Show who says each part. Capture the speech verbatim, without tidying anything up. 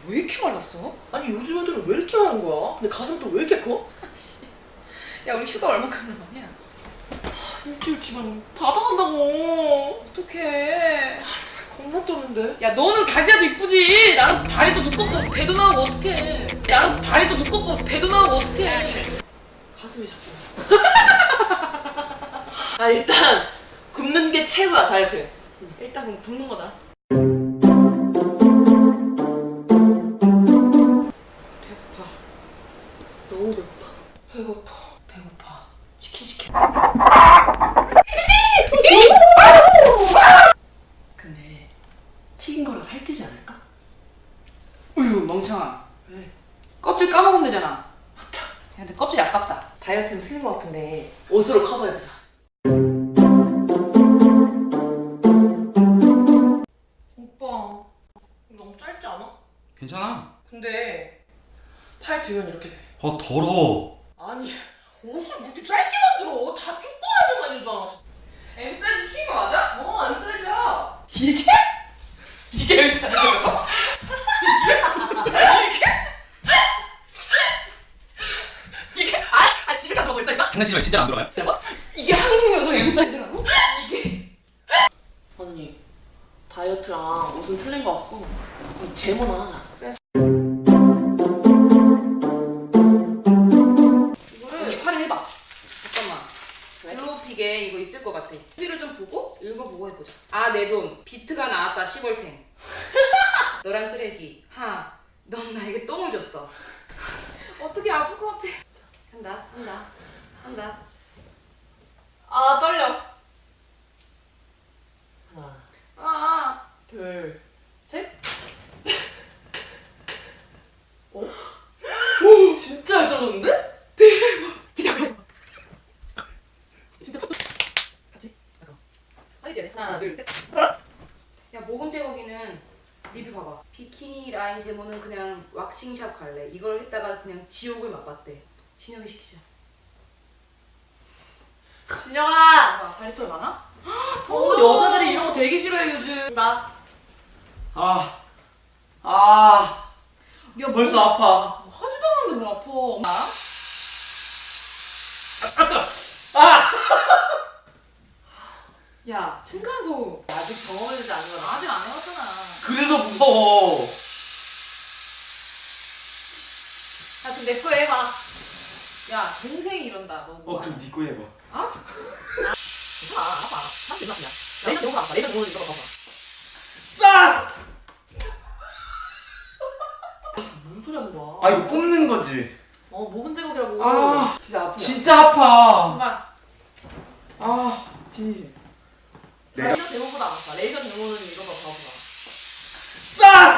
Speaker 1: 왜 이렇게 말랐어?
Speaker 2: 아니 요즘 애들은 왜 이렇게 많은 거야? 근데 가슴 또 왜 이렇게 커?
Speaker 1: 야 우리 휴가 얼마큼 남았냐?
Speaker 2: 일주일 뒤면 바다 간다고.
Speaker 1: 어떡해.
Speaker 2: 겁나 쩌는데.
Speaker 1: 야 너는 다리라도 이쁘지. 나는 다리도 두껍고 배도 나오고 어떡해. 나는 다리도 두껍고 배도 나오고 어떡해.
Speaker 2: 가슴이 자꾸. 아 일단 굶는 게 최고야 다이어트.
Speaker 1: 일단 그럼 굶는 거다. 배고파.
Speaker 2: 너무 배고파.
Speaker 1: 배고파. 배고파. 치킨 시켜.
Speaker 2: 근데 튀긴 거라 살찌지 않을까?
Speaker 1: 우유 멍청아.
Speaker 2: 왜?
Speaker 1: 껍질 까먹으면 되잖아.
Speaker 2: 맞다.
Speaker 1: 야, 근데 껍질이 아깝다.
Speaker 2: 다이어트는 틀린 거 같은데 옷으로 커버해보자. 오빠 이거 너무 짧지 않아?
Speaker 3: 괜찮아.
Speaker 2: 근데 팔 들면 이렇게 돼.
Speaker 3: 어 더러워.
Speaker 2: 아니 옷을 그렇게 짧게 만들어. 다 조그마한 데만 입잖아.
Speaker 1: M 사이즈 시킨 거 맞아?
Speaker 2: 어, 안 사이즈야.
Speaker 1: 이게? 이게 M 사이즈야?
Speaker 2: 이게 아, 아 집에 가서 있다니까.
Speaker 3: 장난치지 말고 진짜 안 들어가요?
Speaker 2: 제발.
Speaker 1: 이게 한국에서 M 사이즈라고?
Speaker 2: 이게 언니 다이어트랑 옷은 틀린 거 같고 제모나 하자. 그래서
Speaker 1: 이거를 언니 팔을 해봐. 잠깐만.
Speaker 2: 왜?
Speaker 1: 글로우픽에 이거 있을 것 같아. 후기를 좀 보고 읽어보고 해보자. 아 내 돈 비트가 나왔다 시벌탱. 너란 쓰레기. 하. 넌 나에게 똥을 줬어. 어떻게 아플 것 같아. 한다 한다 한다. 아 떨려.
Speaker 2: 하나,
Speaker 1: 아.
Speaker 2: 둘, 셋. 어? 오, 진짜 잘 떨어졌는데?
Speaker 1: 진짜 대박.
Speaker 2: 진짜 같이. 잠깐.
Speaker 1: 빨리 뛰어야 돼.
Speaker 2: 하나, 둘, 셋.
Speaker 1: 야 모공 제거기는 리뷰 봐봐. 비키니 라인 제모는 그냥 왁싱샵 갈래. 이걸 했다가 그냥 지옥을 맛봤대. 진혁이 시키자.
Speaker 2: 진영아.
Speaker 1: 아, 다리털 많아?
Speaker 2: 어, 여자들이 이런 거 되게 싫어해 요즘. 나.
Speaker 3: 아, 아,
Speaker 1: 야
Speaker 3: 벌써
Speaker 1: 뭐,
Speaker 3: 아파.
Speaker 1: 하지도 않았는데 뭐 아파. 아? 야 층간소음.
Speaker 2: 아직 경험해보지 않은 거라.
Speaker 1: 아직 안 해봤잖아.
Speaker 3: 그래서 무서워.
Speaker 1: 야 그럼 내 거 해봐. 야 동생이 이런다. 너.
Speaker 3: 어 그럼 네 거 해봐.
Speaker 2: 아, 아파. 사실 맞냐? 내가 너무 아파. 내가 너무 이거 봐봐.
Speaker 3: 아!
Speaker 2: 뭔 소리 하는 거야?
Speaker 3: 아 이거 뽑는 거지.
Speaker 2: 어, 목은 제국이라고.
Speaker 3: 아,
Speaker 2: 진짜 아프다.
Speaker 3: 진짜 아파.
Speaker 1: 정말.
Speaker 3: 아, 진심. 내가
Speaker 2: 레이저 제모보다 아파. 레이저 제모는 이거 봐, 봐봐.
Speaker 3: 아!